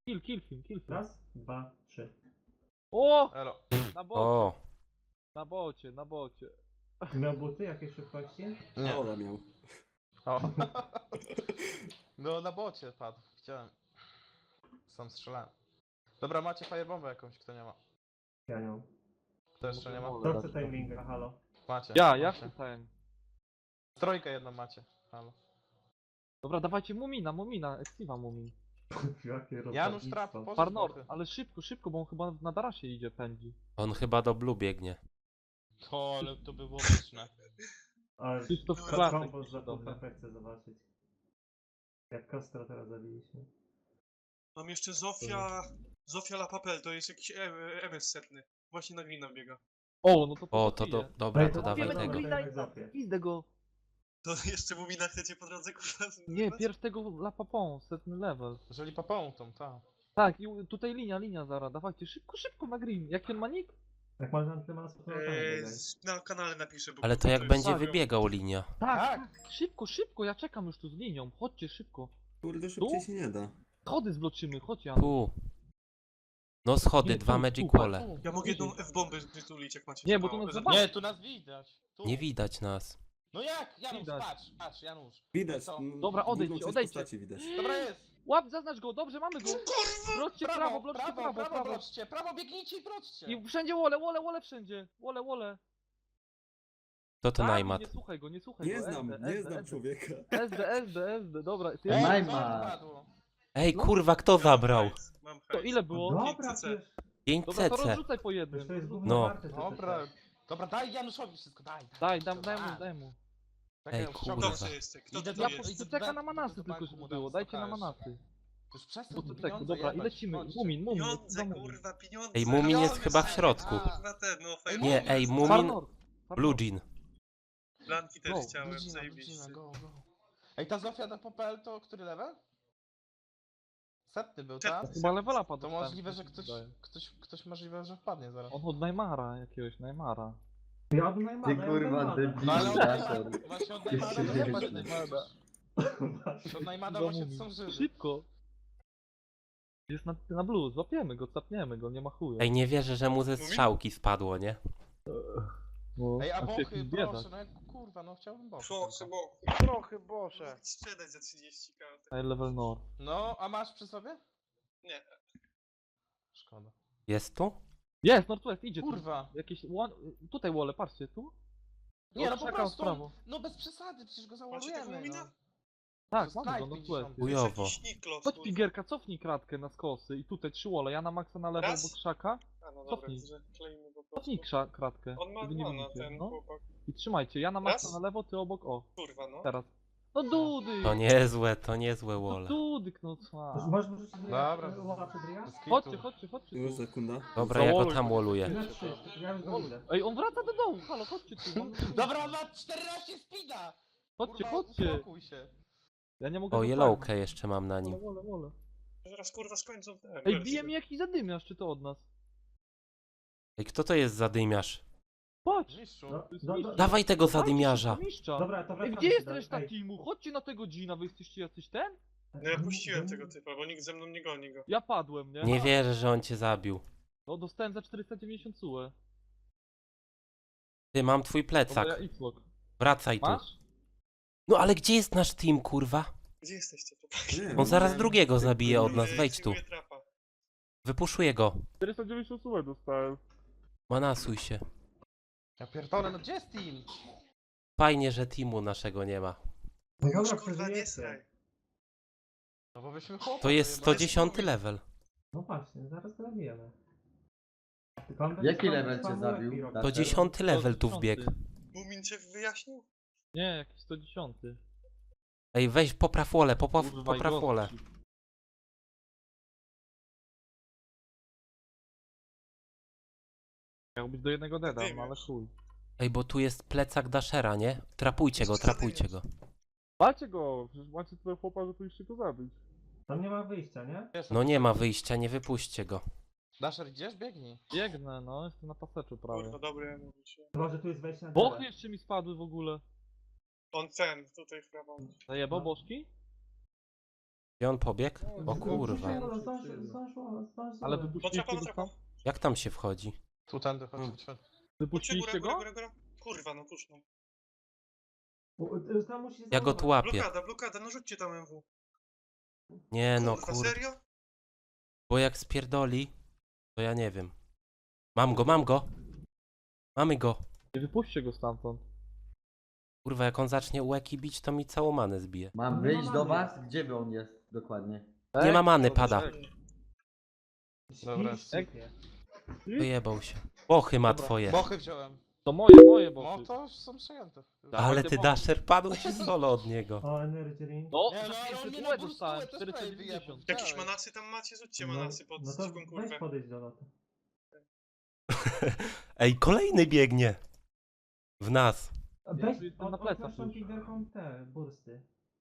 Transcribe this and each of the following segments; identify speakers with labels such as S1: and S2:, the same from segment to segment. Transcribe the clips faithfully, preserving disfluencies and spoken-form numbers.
S1: Kill, kill film, kill film.
S2: Raz, dwa, trzy.
S1: O!
S3: Elo.
S1: Na bocie,
S4: O,
S1: na bocie, na bocie.
S2: Miał buty jakiej szybkości?
S3: Nie.
S5: Ola miał.
S3: O. No na bocie padł. Chciałem. Sam strzelałem. Dobra, macie firebombę jakąś, kto nie ma.
S2: Ja nie mam.
S3: Kto jeszcze nie ma?
S2: Kto chce timinga, halo?
S3: Macie.
S1: Ja, ja
S3: macie.
S1: wstałem.
S3: Trójkę jedną macie. Halo.
S1: Dobra, dawajcie Mumina, Mumina, Exiva Mumin.
S2: Jakie
S3: Janusz Trap,
S2: rozdawnictwo.
S3: pożycz
S1: Farnor,
S3: boty.
S1: ale szybko, szybko, bo on chyba na darasie idzie, pędzi.
S4: on chyba do Blue biegnie.
S3: To, ale to by było pyszne.
S2: Ale
S1: Krzysztof
S2: to
S1: Klasek
S2: kombo za
S1: do mnie.
S2: pół chcę zobaczyć. Jak Kostra teraz zabiliśmy.
S6: Mam jeszcze Zofia... Zofia La Papel, to jest jakiś M S setny. Właśnie na glina biega.
S1: O, no to
S4: O, to do, dobra,
S2: Ej,
S4: to
S2: to
S4: dawaj
S2: wiemy,
S4: tego.
S2: Green- tego.
S1: Pizdę go.
S6: To jeszcze Mumina chcecie po drodze kurwa?
S1: Nie, pierw tego La Papon, setny level.
S3: Jeżeli papą tą, tak.
S1: Tak, i u- tutaj linia, linia zaraz, dawajcie, szybko, szybko na green. Jaki on ma nick?
S2: Jak można tyle masy, to
S6: Eee,
S2: tam
S6: z- na kanale napiszę, bo...
S4: Ale to jak
S6: jest-
S4: będzie
S6: Tak.
S4: wybiegał linia.
S1: Tak, tak, szybko, szybko, ja czekam już tu z linią, chodźcie szybko.
S5: Kurde, szybciej się nie da.
S1: Schody zbloczymy, chodź Jan.
S4: Tu. No schody,
S1: Nie,
S4: dwa
S1: tu,
S4: Magic
S1: tu,
S4: Wall'e.
S1: tu.
S6: Ja mogę jedną F-bombę wytulić, jak macie.
S1: Nie, bo
S6: mało.
S1: to nas
S6: Za-
S1: zobaczy.
S3: Nie, tu nas widać. Tu.
S4: Nie widać nas.
S3: No jak? Janusz,
S1: Widać.
S3: patrz, patrz, Janusz.
S5: Widać.
S3: Co?
S5: no,
S1: Dobra, odejdźcie,
S5: drugą część
S1: odejdźcie.
S5: postaci widać.
S3: Dobra jest.
S1: Łap, zaznacz go, dobrze, mamy go. Wróćcie prawo,
S3: Prawo,
S1: wróćcie
S3: prawo,
S1: prawo,
S3: prawo,
S1: prawo.
S3: wróćcie. Prawo biegnijcie i wróćcie.
S1: I wszędzie wole, wole, wole wszędzie. Wole, wole.
S4: To to
S1: Tak,
S4: Najmat.
S1: Nie słuchaj go, nie słuchaj
S5: Nie
S1: go.
S5: znam,
S1: S D,
S5: nie
S1: S D,
S5: znam człowieka.
S1: S D, S D, S D, dobra. Ty,
S3: Ej,
S2: Najma.
S3: co wypadło?
S4: Ej,
S1: No.
S4: kurwa, kto
S6: Mam
S4: zabrał?
S6: hajs, Mam
S1: to
S6: hajs.
S1: ile było?
S2: Dobra,
S6: pięć C C.
S2: przecież,
S4: pięć
S1: Dobra, to
S4: C C.
S1: rozrzucaj po
S2: przecież
S1: jednym.
S2: to jest gówno
S4: No.
S2: warte. te
S3: Dobra,
S2: C C.
S3: dobra, daj Januszowi wszystko, daj.
S1: Daj, dam, daj mu, daj mu.
S3: Czekaj,
S4: Ej,
S3: już
S4: kurwa.
S3: ściągam.
S6: Dobrze jest, kto
S3: Idę
S6: to
S3: do-
S1: Ja
S6: jest?
S1: po,
S3: idę do
S1: czeka na
S3: banku,
S1: manasy
S3: do
S1: tylko,
S3: banku
S1: żeby
S3: mu
S1: było.
S3: dam
S1: Dajcie na
S3: stokajesz.
S1: manasy.
S3: Już przestań
S1: Bo to
S3: te
S1: tak,
S3: pieniądze
S1: dobra, i
S3: jebać,
S1: lecimy.
S3: chodźcie.
S1: Mumin, mumin,
S6: Pieniądze,
S1: mumin.
S6: kurwa, pieniądze.
S4: Ej, Mumin jest
S6: Pieniądze,
S4: chyba w środku.
S6: Kurwa, ten, no, fajnie.
S4: Nie, ej, Mumin-
S1: Farnor.
S4: Blue Jean.
S6: Blanki też
S1: Go,
S6: chciałem,
S3: Widzimy,
S6: zajebiście.
S3: widzimy, go, go. Ej, ta Zofia na Popel to który level? Setny był, tak?
S1: Chyba levela padł.
S3: To możliwe, że ktoś, ktoś, ktoś możliwe, że wpadnie zaraz.
S1: On od Neymara, jakiegoś Neymara.
S2: Ja od Najmana,
S7: Ty
S2: ja od
S7: kurwa
S2: Najmana.
S7: debil.
S3: No ale od
S7: Daszor.
S3: Neymara, właśnie od Neymara to nie ma Neymara. Od Neymara właśnie są żywi.
S1: Szybko. Jest na, na blue, złapiemy go, capniemy go, nie ma chuja.
S4: Ej, nie wierzę, że mu ze strzałki spadło, nie?
S1: No,
S3: Ej, a
S1: się
S3: bochy,
S1: jakiś biedak.
S3: proszę, no jak kurwa, no chciałbym bochy.
S6: Proszę,
S3: tylko.
S6: bo...
S3: Trochę bosze.
S6: Sprzedać za trzydzieści kart.
S1: High level Nord.
S3: No, a masz przy sobie?
S6: Nie.
S3: Szkoda.
S4: Jest tu?
S1: Jest, Northwest, idzie
S3: Kurwa.
S1: tu. Jakieś, one, tutaj wole, patrzcie, tu.
S3: Nie, no po
S1: Czekam w
S3: prostu,
S1: prawo.
S3: no bez przesady, przecież go
S6: Macie tego
S3: załamujemy,
S6: Mumina?
S3: no.
S1: Tak,
S3: To
S1: mamy go,
S3: Skype
S1: Northwest.
S3: pięćdziesiąt.
S4: Chujowo.
S6: Jakiś Niklos,
S1: Chodź
S6: kurwa.
S1: Pigierka, cofnij kratkę na skosy i tutaj trzy wole, ja na maksa na lewo
S6: Raz.
S1: obok krzaka.
S6: A no dobra,
S1: Cofnij.
S6: że klejmy po prostu.
S1: Cofnij krza, kratkę.
S6: On ma
S1: żeby nie
S6: dwa na
S1: widzicie,
S6: ten
S1: no.
S6: chłopak.
S1: I trzymajcie, ja na maksa
S6: Raz.
S1: na lewo, ty obok, o,
S6: Kurwa, no.
S1: teraz. No dudy!
S4: To niezłe, to niezłe
S1: No
S4: wole.
S1: dudyk, no co?
S2: Możesz wrzucić
S3: Dobra.
S2: Łowa przed Ria?
S3: Bez kitu.
S1: Chodźcie, chodźcie, chodźcie
S5: Już
S1: tu.
S5: sekunda.
S4: Dobra, ja go
S1: Zawoluj.
S4: tam woluję.
S2: Tyle trzy, ja już go idę.
S1: Ej, on wraca do domu, halo, chodźcie tu. mam-
S3: Dobra, on ma czternaście speeda!
S1: Chodźcie,
S3: Kurwa,
S1: chodźcie.
S3: uspokój się.
S1: Ja nie mogę
S4: O,
S1: go
S4: yellowkę jeszcze mam na
S1: farmić.
S4: nim.
S1: Wole, wole, wole.
S6: Zaraz kurwa skończą ten.
S1: Ej, bije mi jakiś zadymiarz, czy to od nas?
S4: Ej, kto to jest zadymiarz?
S1: Patrz!
S3: Mistrzu.
S2: No,
S1: To jest
S2: no,
S1: mistrz.
S2: no.
S4: Dawaj tego
S1: Dawajcie
S4: zadymiarza.
S1: szybko mistrza.
S2: Dobra, to
S1: Ej,
S2: wracamy
S1: gdzie jest
S2: do-
S1: reszta
S2: ej.
S1: teamu? Chodźcie na tego Gina, wy jesteście jacyś ten?
S6: No ja puściłem tego typa, bo nikt ze mną nie goni go.
S1: Ja padłem, nie?
S4: Nie wierzę, że on cię zabił.
S1: No dostałem za czterysta dziewięćdziesiąt sue.
S4: Ty, mam twój
S1: Dobra, ja
S4: plecak.
S1: X-Lock.
S4: Wracaj tu.
S1: Masz?
S4: No ale gdzie jest nasz team, kurwa?
S6: Gdzie jesteście tu?
S5: Nie,
S4: On zaraz
S5: nie.
S4: drugiego zabije od nas,
S6: Yy,
S4: wejdź tu.
S6: przyjmuję trapa.
S4: Wypuszuję go.
S1: czterysta dziewięćdziesiąt sue dostałem.
S4: Manasuj się.
S3: Ja pierdolę, no gdzie jest team?
S4: Fajnie, że teamu naszego nie ma.
S2: No
S6: Już
S2: dobra,
S6: kurwa nie
S2: przeżyjecie.
S6: sraj.
S3: No bo byśmy chłopcy.
S4: To jest sto dziesiąty level.
S2: No właśnie, zaraz go zabijemy. Tylko on będzie
S7: Jaki
S2: spam-
S7: level cię
S2: spamował
S7: zabił?
S2: Epiro.
S7: Tak.
S4: To dziesiąty level tu wbiegł.
S6: Mumin cię wyjaśnił?
S1: Nie, jakiś sto dziesięć.
S4: Ej, weź popraw wolę, popraw,
S1: Kurwa, i
S4: popraw
S1: gość.
S4: wolę.
S1: Miał być do jednego deda,
S6: Ty
S1: no ale
S6: wiesz.
S1: chuj.
S4: Ej, bo tu jest plecak Dashera, nie? Trapujcie go, trapujcie go.
S1: Walcie go, przecież macie tyle chłopa, że tu jeszcze go zabić.
S2: Tam nie ma wyjścia, nie?
S4: No nie ma wyjścia, nie wypuśćcie go.
S3: Dasher, idziesz? Biegnij.
S1: Biegnę, no, jestem na paseczu prawie.
S6: Kurwa, dobry, ja mówię ci.
S2: Chyba, że tu jest wejście na
S1: Bochy
S2: dole.
S1: jeszcze mi spadły w ogóle.
S6: On ten, tutaj w prawo.
S1: Zajebał
S2: No.
S1: bożki?
S4: Gdzie on pobiegł? O
S1: No,
S4: kurwa.
S2: Zdążyło, zdążyło, zdążyło, zdążyło.
S1: Ale
S6: Potrapa,
S1: wypuściliście go
S6: potrapa.
S1: tam?
S4: Jak tam się wchodzi?
S3: Tu tędy, chodź,
S5: Hmm.
S3: chodź, chodź.
S6: Chodźcie, góra,
S1: Wypuściliście
S6: góra,
S1: go?
S6: góra, góra. Kurwa, no puść no.
S2: U- y, Tam musi
S4: Ja go
S2: znowu-
S4: tu łapię.
S6: Blokada, blokada, no rzućcie tam M W.
S4: Nie no
S6: Kurwa,
S4: kurwa.
S6: serio?
S4: Bo jak spierdoli, to ja nie wiem. Mam go, mam go. Mamy go.
S1: Nie wypuśćcie go stamtąd.
S4: Kurwa, jak on zacznie łeki bić, to mi całą manę zbije.
S5: Mam
S2: Nie
S5: wyjść
S2: ma
S5: do
S2: many.
S5: was? Gdzie on jest dokładnie?
S4: Nie ma many,
S1: Dobra,
S4: pada.
S1: tak.
S3: Dobra.
S2: Śpisz, sypie.
S4: Wyjebał się. Bochy ma
S1: Dobra.
S4: twoje.
S3: Bochy wziąłem.
S1: To moje, moje
S3: No
S1: boty.
S3: to już są przejęte.
S1: Dawaj
S4: Ale
S1: te
S4: ty
S1: bochy.
S4: Dasher padł ci solo od niego.
S2: O, energy ring.
S1: No,
S3: Nie, no,
S1: za
S3: ale on
S1: pięćset
S3: mnie
S1: UE
S3: na burstę
S1: dostałem,
S3: to
S1: czterysta
S3: spray wyjebał.
S1: dziewięćdziesiąt.
S6: Jakieś
S3: Dawaj.
S6: manasy tam macie? Rzućcie
S2: No,
S6: manasy pod
S2: no to
S6: zwykłą
S2: weź
S6: kurwę.
S2: podejść do lotu.
S4: Ej, kolejny biegnie. W nas.
S2: Weź,
S1: tu jestem
S2: od-
S1: na plecach
S2: odpnij
S1: już.
S2: Kinderką te bursty.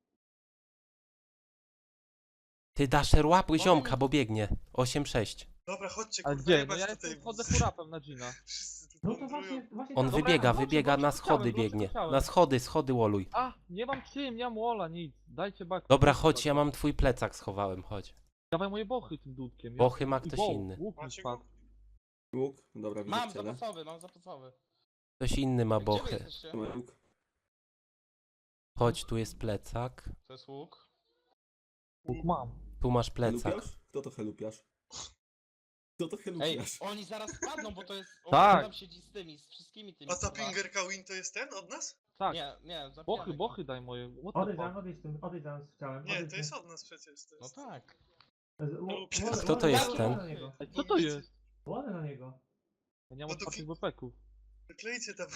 S4: Ty Dasher łapuj
S3: Bochy
S4: ziomka,
S3: mi-
S4: bo biegnie. osiem sześć.
S6: Dobra, chodźcie
S1: A
S6: kurwa,
S1: gdzie? No
S6: jebać
S1: ja
S6: tutaj.
S1: jestem, chodzę hurapem na Gina.
S6: Wszyscy tu
S2: No to
S6: wędrują.
S2: właśnie, właśnie
S4: On
S2: tak.
S1: Dobra,
S4: wybiega,
S1: wróćcie,
S4: wybiega
S1: wróćcie,
S4: na
S1: wróćcie,
S4: schody
S1: wróćcie,
S4: biegnie.
S1: wróćcie.
S4: Na schody, schody woluj.
S1: A, nie mam czym, nie mam wola, nic. Dajcie bak.
S4: Dobra, chodź, ja mam twój plecak schowałem, chodź.
S1: Dawaj moje bochy tym dudkiem.
S4: Bochy ma
S1: I
S4: ktoś
S1: woł,
S4: inny.
S1: Łuk mi
S6: Macie go?
S1: spadł.
S5: Łuk? Dobra, widzę
S3: Mam
S5: ciele.
S3: zapasowy, mam zapasowy.
S4: Ktoś inny ma
S3: Gdzie wy
S4: bochy.
S3: jesteście?
S5: Tu ma łuk.
S4: Chodź, tu jest plecak.
S3: To jest łuk.
S1: Łuk mam.
S4: Tu masz plecak.
S5: Helupiasz? Kto to helupiasz? Kto to
S3: Ej,
S5: helupiasz?
S3: oni zaraz spadną, bo to jest... On
S1: Tak.
S3: tam siedzi z tymi, z wszystkimi tymi.
S6: A ta
S3: kurwa.
S6: Pingerka Win to jest ten od nas?
S1: Tak.
S3: Nie, nie, zabijamy
S1: Bochy,
S3: go.
S1: bochy daj moje. What the
S2: Odejdź tam,
S1: fuck?
S2: odejdź tym, odejdź tam z ciałem.
S6: Nie,
S2: odejdź
S6: to jest
S2: tym.
S6: od nas przecież. To
S3: No
S6: jest...
S3: tak.
S2: Z- wo- wo-
S6: Kto
S2: wo-
S4: to jest
S2: wo-
S4: ten?
S2: na niego.
S1: Ej, co to jest?
S2: Ładę na niego.
S1: Ja nie mam
S6: No to
S1: otwartych
S6: ki-
S1: bepeków.
S6: Klejcie tam.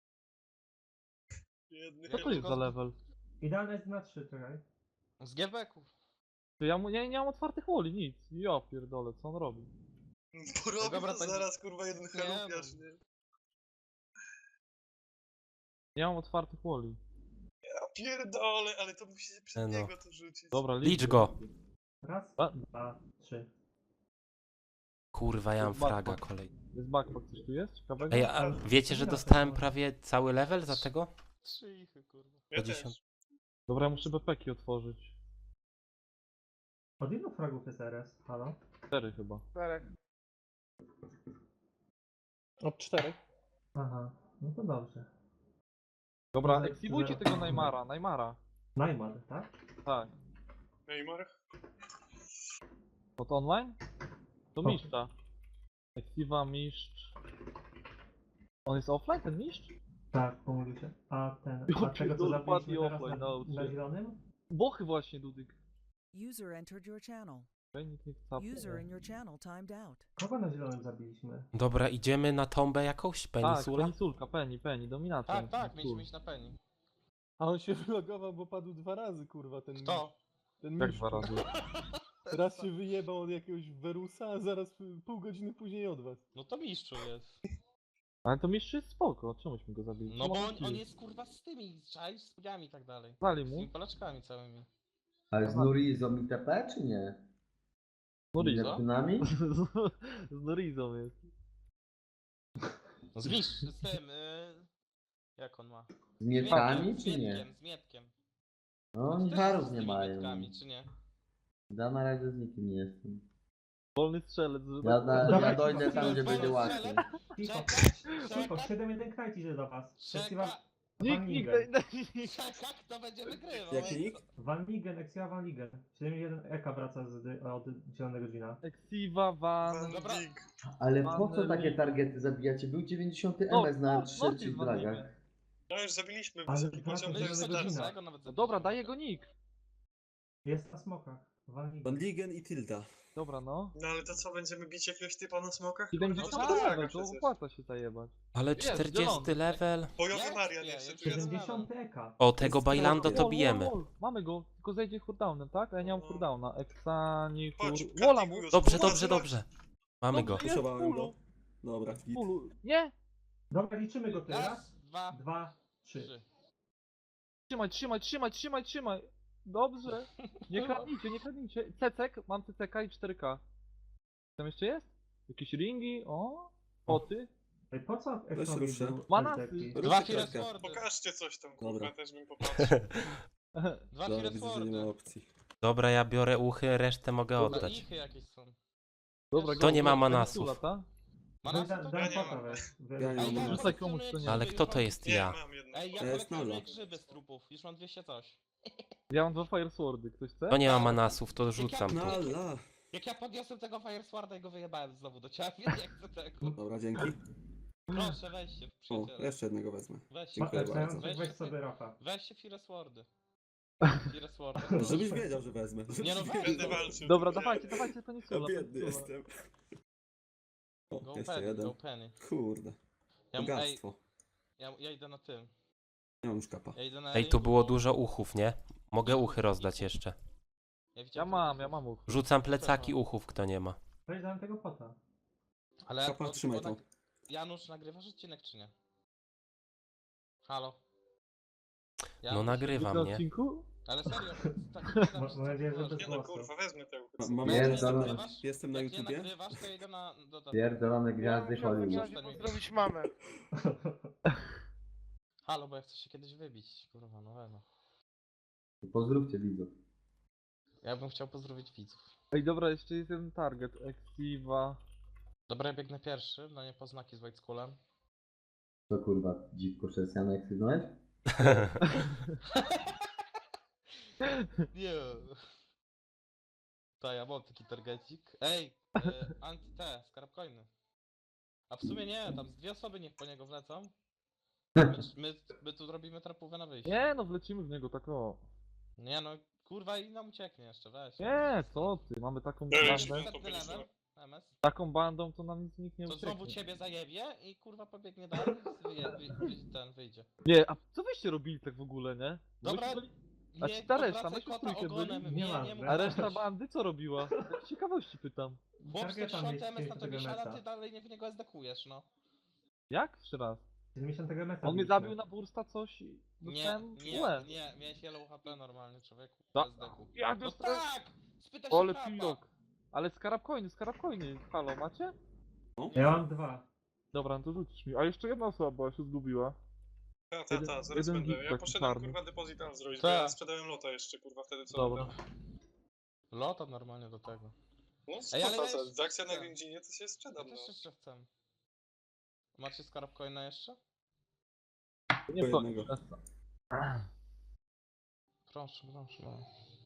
S6: Jedny
S1: Co to jest za level?
S2: Idealne jest na trzy, czekaj.
S3: Z gielbeków.
S1: To ja mu, nie, nie mam otwartych woli, nic. Ja pierdolę, co on robi?
S6: Porobi
S3: Dobra,
S6: to
S3: tak-
S6: zaraz kurwa jeden
S3: Nie,
S6: chalupiarz,
S3: no.
S6: nie?
S1: Nie mam otwartych woli.
S6: Ja pierdolę, ale to musicie przed
S4: E no.
S6: niego to rzucić.
S1: Dobra,
S4: Licz go.
S2: Raz,
S1: A,
S2: dwa, trzy.
S4: Kurwa, ja mam
S1: Backpack.
S4: fraga kolej.
S1: jest backpack, coś tu jest? Ciekawego?
S4: Ej, a wiecie, że dostałem prawie cały level za tego?
S3: Trzy ichy, kurwa.
S6: Ja
S4: dziesiąt.
S6: też.
S1: Dobra, ja muszę bepeki otworzyć.
S2: Od ilu fragów jest R S? Halo?
S1: Cztery chyba.
S3: Czterech.
S1: Od czterech?
S2: Aha, no to dobrze.
S1: Dobra,
S2: Ale-
S1: eksibujcie
S2: zero.
S1: tego Neymara, Neymara.
S2: Najmar, tak?
S1: Tak.
S6: Neymar?
S1: No to online? To
S2: O.
S1: mistrza. Exiva, mistrz. On jest offline, ten mistrz?
S2: Tak, pomówił się. A ten,
S1: Ja
S2: a tego co
S1: pierdolę,
S2: zabiliśmy
S1: padli
S2: teraz
S1: offline,
S2: na,
S1: nauczy.
S2: na zielonym?
S1: Bochy właśnie, Dudyk.
S7: User entered your channel.
S1: Okej, nikt nie chce.
S7: User in your channel timed out.
S2: Kogo na zielonym zabiliśmy?
S4: Dobra, idziemy na tombę jakąś?
S1: Tak,
S4: Penisula?
S1: penisulka, peni, peni, dominacja.
S3: Tak, tak,
S1: Cool.
S3: mieliśmy iść na Penny.
S8: A on się wylogował, bo padł dwa razy, kurwa, ten
S3: Kto?
S8: Ten
S1: Jak
S8: mistrz.
S1: dwa razy?
S8: Raz się wyjebał od jakiegoś Werusa, a zaraz p- pół godziny później od was.
S3: No to mistrzu jest.
S1: Ale to mistrz jest spoko, czemuśmy go zabili?
S3: No
S1: Co
S3: bo
S1: ma
S3: on,
S1: taki-
S3: on jest kurwa z tymi, czaj, z pudziami i tak dalej.
S1: Dali
S3: Z
S1: mu?
S3: tymi polaczkami całymi.
S5: Ale z Nurizą i T P, czy nie?
S1: Norizo.
S5: Neptunami?
S1: Z Norizą jest.
S3: No z mistrz, z tym, y... Jak on ma?
S5: Z Mietkami,
S3: z
S5: czy nie?
S3: Mietkiem, z Mietkiem.
S5: No,
S3: Ty
S5: oni
S3: też
S5: harów
S3: z
S5: nie
S3: tymi
S5: mają.
S3: Mietkami, czy nie?
S5: Ja na razie z nikim nie jestem.
S1: Wolny strzelec. że
S5: Ja,
S1: tak
S5: na,
S1: powiem.
S5: ja dojdę tam, gdzie
S3: Wolny
S5: będzie łatwiej.
S3: strzelec.
S2: Cicho,
S3: Czekać,
S2: cicho,
S3: czekać,
S2: siedem jeden krajci idzie do was.
S3: czekać,
S2: Exiva
S1: Nikt,
S2: Van
S1: nikt,
S2: Ligen.
S1: daj, daj, nikt.
S3: czekać, kto będzie wygrywał.
S5: Jaki nick?
S2: Van Ligen, Exiva Van Ligen. siedem jeden Eka wraca z, dy- od zielonego Gina.
S1: Exiva, Van...
S6: Van
S3: Dobra.
S6: Dijk.
S5: Ale po co
S1: Pan
S5: takie
S1: Lig.
S5: targety zabijacie? Był dziewięćdziesiąty
S1: No,
S5: M S na
S1: no, no,
S5: trzecich
S1: jest Van
S5: dragach.
S1: Ligen.
S6: No już zabiliśmy
S2: Ale
S6: wysoki
S2: wraca
S6: poziom
S2: do
S3: My już
S2: zielonego
S6: Dextersa.
S2: Gina.
S3: tego nawet
S1: No dobra, daj jego nick.
S2: Jest na smokach. Van Ligen.
S5: Van Ligen i Tilda.
S1: Dobra, no.
S6: No ale to co, będziemy bić jakiegoś typa na smokach?
S1: siedemdziesiąty
S6: Kurwa,
S3: tak,
S6: to
S1: level,
S6: level
S1: to
S6: przecież.
S1: opłaca się zajebać.
S4: Ale
S1: Jest,
S4: czterdziesty
S1: zielony.
S4: level?
S6: Bojowy
S3: Jest,
S6: Marian
S3: nie,
S6: jeszcze
S3: jest
S6: tu jest.
S2: siedemdziesiąty Eka.
S4: O, tego
S5: Jest
S4: Bailando
S5: trochę.
S4: to
S1: Wall,
S4: bijemy.
S1: wall, wall. Mamy go, tylko zejdzie cooldownem, tak? A ja nie mam
S6: No.
S1: cooldowna. Eksani, kur...
S6: Chodź,
S1: Wola mu!
S6: Kartigus,
S4: Dobrze,
S6: kurwa,
S4: dobrze,
S6: zobacz.
S4: dobrze. Mamy go.
S1: Dobrze, jest,
S5: Puszowałem
S1: fullu,
S5: go. Dobra, git.
S1: fullu. Nie!
S2: Dobra, liczymy go teraz.
S3: Raz, dwa,
S2: Dwa, trzy.
S3: trzy.
S1: Trzymaj, trzymaj, trzymaj, trzymaj, trzymaj! Dobrze! Nie kradnijcie, nie kradnijcie. Cecek, mam C C K i cztery K. Tam jeszcze jest? Jakieś ringi? O? Poty?
S2: Ej, po co
S5: Weź
S2: Ekowi
S5: ruszę.
S2: był
S1: Manasy.
S2: taki?
S3: Dwa
S5: Ruszcie
S3: Fire
S5: kratkę.
S3: Swordy.
S6: Pokażcie coś tam, kurwa,
S5: Dobra.
S6: też bym popatrzył.
S3: Dwa
S5: Dobra,
S3: Fire
S5: widzę, że nie ma
S3: Swordy.
S5: opcji.
S4: Dobra, ja biorę uchy, resztę mogę
S3: No
S4: oddać.
S3: ichy jakieś są.
S1: Dobra,
S3: Kto
S1: go,
S4: nie
S1: go,
S4: ma
S1: go,
S4: manasów?
S1: Peninsula, ta?
S3: Ma
S2: Weź
S3: nas
S2: da-
S3: to?
S2: Dam
S6: Ja nie
S2: pota
S6: mam.
S2: weź.
S5: Ja nie
S3: Ej,
S5: mam
S3: ja
S5: manasów.
S1: Rzucaj
S3: kolekcjonuję
S1: komuś, kto nie
S3: grzyby,
S4: Ale
S3: już
S4: kto
S3: mam-
S4: to jest
S6: Nie,
S4: ja?
S6: mam jedno.
S3: Ej, ja
S5: To jest
S3: kolekcjonuję
S5: Nolo.
S3: grzyby z trupów. Już mam dwieście coś.
S1: Ja mam dwa Fire Swordy, ktoś chce?
S4: To nie ma manasów, to rzucam
S5: No
S4: tu.
S5: ala.
S3: Jak ja podniosłem tego Fire Sworda i go wyjebałem znowu do ciebie, nie chcę tego.
S5: Dobra, dzięki.
S3: Proszę, weźcie,
S5: O,
S3: przyjaciele.
S5: jeszcze jednego wezmę.
S3: Weźcie,
S5: Dziękuję
S2: Ma-
S5: bardzo.
S2: Weź,
S3: Weź
S2: weź
S3: się
S2: sobie Rafa.
S3: weźcie Fire Swordy. Fire Swordy.
S5: Żebyś wiedział, że wezmę.
S3: Nie no,
S5: Żebyś
S3: weź,
S6: Będę
S3: no.
S6: walczył.
S1: Dobra,
S6: nie.
S1: dawajcie, dawajcie
S5: Ja
S1: Peninsula.
S5: biedny
S1: Peninsula.
S5: jestem. O,
S3: Go
S5: jeszcze
S3: Penny,
S5: jeden.
S3: go Penny.
S5: Kurde.
S3: Ja, mu- ej,
S5: Bogactwo.
S3: ja, ja idę na tym.
S5: Nie mam już kapa.
S3: Ja idę na
S4: Ej, tu
S3: ringu,
S4: było
S3: bo-
S4: dużo uchów, nie? Mogę uchy rozdać jeszcze.
S3: Ja,
S1: Ja
S3: widziałem
S1: mam,
S3: tylko
S1: ja
S3: uchów.
S1: mam uch.
S4: Rzucam plecaki uchów, kto nie ma.
S2: Weź dam tego pota.
S3: Ale
S5: Kapa,
S3: to-
S5: trzymaj
S3: bo
S5: to.
S3: nag- Janusz, nagrywasz odcinek czy nie? Halo?
S4: No
S3: Janusz?
S4: nagrywam,
S1: Na
S4: nie?
S1: odcinku?
S3: Ale serio, tak nie
S2: Mam nadzieję, że bez
S6: Nie no
S2: głosu.
S6: kurwa, wezmę tego.
S5: Ma, mam
S3: Jak nie
S5: jestem,
S3: nagrywasz,
S5: jestem na
S3: jak nie
S5: YouTubie.
S3: nagrywasz, to idę na... Do, do,
S9: Pierdolone gwiazdy Hollywood.
S3: pozdrowić mamę. Halo, bo ja chcę się kiedyś wybić, kurwa, no no.
S9: Pozdrówcie widzów.
S3: Ja bym chciał pozdrowić widzów.
S1: Ej, dobra, jeszcze jest jeden target. Exiva.
S3: Dobra, ja biegnę pierwszy, no nie poznaki z White Skullem.
S9: To kurwa, dziwko chrześcijan jak sygnąłeś?
S3: Nie. To ja mam taki targetik. Ej, y, anti-T, skarabcoiny. A w sumie nie, tam z dwie osoby niech po niego wlecą. My, my, my tu robimy trapówę na wyjście.
S1: Nie no, wlecimy w niego tak o.
S3: Nie no, kurwa i nam ucieknie jeszcze, weź.
S1: Nie, co ty, mamy taką
S6: Ej,
S1: bandę.
S3: Następny level, M S.
S1: Taką bandą to nam nic nikt nie
S3: To znowu
S1: ucieknie.
S3: ciebie zajebie i kurwa pobiegnie dalej i wyje, wy, wy, ten wyjdzie.
S1: Nie, a co wyście robili tak w ogóle, nie? Bo
S3: Dobra,
S1: myśmy byli- A
S3: nie
S1: ci ta reszta,
S3: odwracaj
S1: myśmy w
S3: kota
S1: trójkę
S3: ogonem,
S2: byli?
S3: nie,
S2: Nie
S3: nie,
S2: ma,
S3: mów
S1: A
S3: tak.
S1: reszta bandy co robiła? Tak z ciekawości pytam.
S3: Chłop
S2: Targeta
S3: sto M S na
S2: mieć
S3: tobie siada,
S2: metra.
S3: ty dalej nie w niego zdekujesz, no.
S1: Jak? Jeszcze raz.
S2: siedemdziesiąt metra.
S1: On mnie zabił na bursta coś i
S3: Nie,
S1: dostałem
S3: nie,
S1: łeb.
S3: nie, miałeś yellow H P normalnie, człowieku.
S1: Da-
S3: Bez deku.
S1: Jak
S3: No
S1: dostałem?
S3: tak! Spytaj się
S1: Ole
S3: trapa.
S1: pilok. Ale skarabcoiny, skarabcoiny. Halo, macie?
S2: Ja mam dwa.
S1: Dobra, no to rzucisz mi. A jeszcze jedna osoba była, się zgubiła.
S6: Ta, ta, ta, zaraz
S1: Jeden
S6: będę.
S1: git
S6: Ja
S1: taki
S6: poszedłem
S1: czarny.
S6: kurwa depozyt zrobić,
S3: Ta.
S6: bo ja sprzedałem lota jeszcze kurwa wtedy co
S1: Dobra.
S6: oddam.
S3: Lota normalnie do tego.
S6: No
S3: Ej, ale
S6: spoko,
S3: ja
S6: co,
S3: jeszcze
S6: z akcja na
S3: chcę.
S6: Gędzinie to się
S3: Ja
S6: sprzedam, no.
S3: też jeszcze chcę. Macie skarabcoina jeszcze?
S1: Nie
S5: Po
S1: to.
S5: jednego.
S3: Proszę, proszę. No.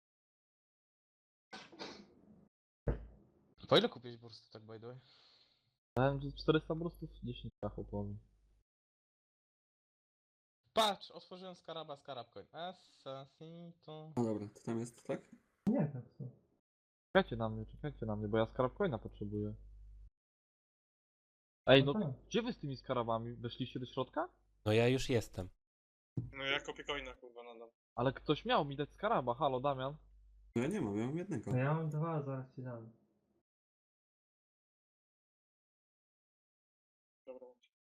S3: Po ile kupiłeś bursty, tak by the way?
S1: Dałem że czterysta brustów, dziesięć kachów powiem.
S3: Patrz, otworzyłem skaraba, skarabcoin. Assassito.
S5: No dobra, to tam jest, tak?
S2: Nie, tak co.
S1: Czekajcie na mnie, czekajcie na mnie, bo ja skarabcoina potrzebuję. Ej, no
S2: No
S1: to
S2: tak.
S1: gdzie wy z tymi skarabami? Weszliście do środka?
S4: No ja już jestem.
S6: No ja kopię coina kurwa nadam.
S1: Ale ktoś miał mi dać skaraba, halo Damian.
S5: No ja nie mam, ja mam jednego.
S2: No ja mam dwa, zaraz ci dam.
S6: Dobra.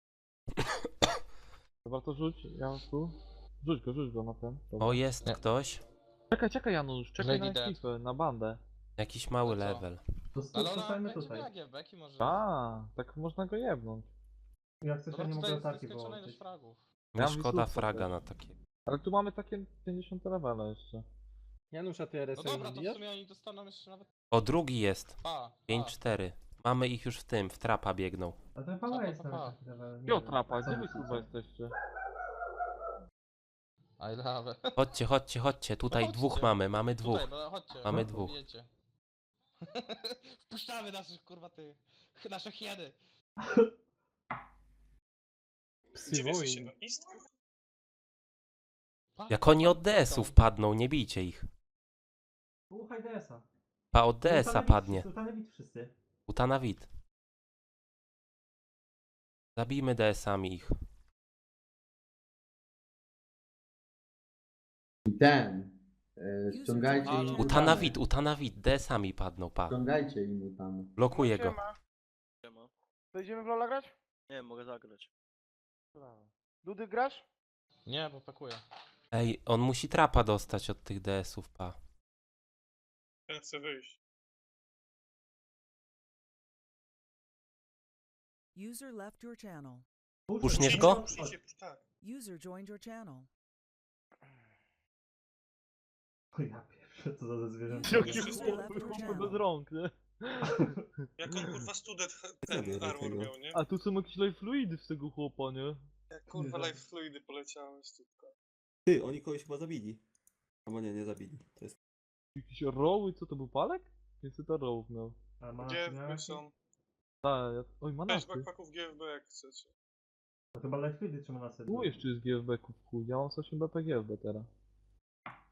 S1: Dobra, to rzuć, ja tu. Rzuć go, rzuć go na ten. Dobra.
S4: O, jest
S3: Nie.
S4: ktoś.
S1: Czekaj, czekaj Janusz, czekaj
S3: Lady
S1: na
S3: Death.
S1: ekipę, na bandę.
S4: Jakiś mały
S3: No co?
S4: level.
S2: To stu-
S3: Ale ona
S2: zostańmy
S3: będzie
S2: tutaj.
S3: miała giebeki może.
S1: A, tak można go jebnąć.
S2: Jak coś ja
S3: Dobra,
S2: nie
S3: tutaj
S2: mogę
S3: jest
S2: ataki
S3: nieskończona ilość
S2: połączyć.
S3: fragów.
S1: Ja
S4: Mi
S1: mam
S4: szkoda
S1: widzówkę
S4: fraga
S1: też.
S4: na takie.
S1: Ale tu mamy takie pięćdziesiąt levela jeszcze.
S8: Janusz, a ty
S3: No
S8: R S
S3: dobra,
S8: M
S3: to w
S8: wbijasz?
S3: sumie oni dostaną jeszcze nawet...
S4: O, drugi jest.
S3: A,
S4: pięć
S3: a.
S4: cztery. Mamy ich już w tym, w trapa biegną.
S2: A ten
S3: Pa,
S2: pała
S3: pa,
S2: jest
S3: pa, pa.
S2: nawet taki level. nie
S1: Jo,
S2: wiem.
S1: trapa,
S2: Co
S1: gdzie wy
S2: myślicie?
S1: kurwa jesteście?
S3: I love it.
S4: Chodźcie, chodźcie, chodźcie. Tutaj
S3: chodźcie.
S4: dwóch mamy, mamy dwóch.
S3: Tutaj, no chodźcie.
S4: Mamy
S3: no,
S4: dwóch.
S3: Wiecie. Wpuszczamy naszych, kurwa, ty... Nasze hieny.
S8: Psy
S6: Gdzie wy jesteście?
S8: wojen.
S6: No East?
S3: Pa,
S4: Jak oni od D S-ów padną, nie bijcie ich.
S2: Słuchaj D S a.
S4: Pa od D S-a padnie.
S2: Sultany bit wszyscy.
S4: Utanawit. Zabijmy D S-ami ich.
S9: I ten. E, ściągajcie
S7: Halo.
S9: im
S4: Utanawit, utanawit. D S-ami padną, pa.
S9: Ściągajcie im tam.
S4: Blokuję go.
S10: Będziemy w Lola grać? Nie, mogę zagrać. Dudy grasz?
S3: Nie, bo pakuję.
S4: Ej, on musi trapa dostać od tych D S-ów, pa.
S6: Ja chcę wyjść.
S7: User left your channel.
S4: Puszniesz go?
S6: Puśnijcie, pusz- tak.
S7: User joined your channel.
S2: O ja pierwszy. Co to za zwierzę?
S1: Jaki
S6: Wszystko
S1: chłop bez rąk, nie?
S6: Jak on kurwa student
S5: Zabieraj
S6: ten armor
S5: tego.
S6: miał, nie?
S1: A tu są jakieś life fluidy z tego chłopa, nie?
S6: Jak kurwa
S2: Nie
S6: life fluidy poleciały tylko.
S5: Ty, oni kogoś chyba zabili. Albo nie, nie zabili. To jest...
S1: Jakieś roły, co to był palek? Więcej to rołów miał.
S2: A ma
S6: G F
S2: miała
S6: B
S2: jakieś?
S6: są.
S1: Tak, ja... oj
S6: Cześć
S1: manasy.
S6: backpacków G F B jak chcecie.
S2: To chyba Lightfieldy trzyma na sobie.
S1: Tu jeszcze jest G F B ku w chuj, ja mam osiem B P G F B teraz.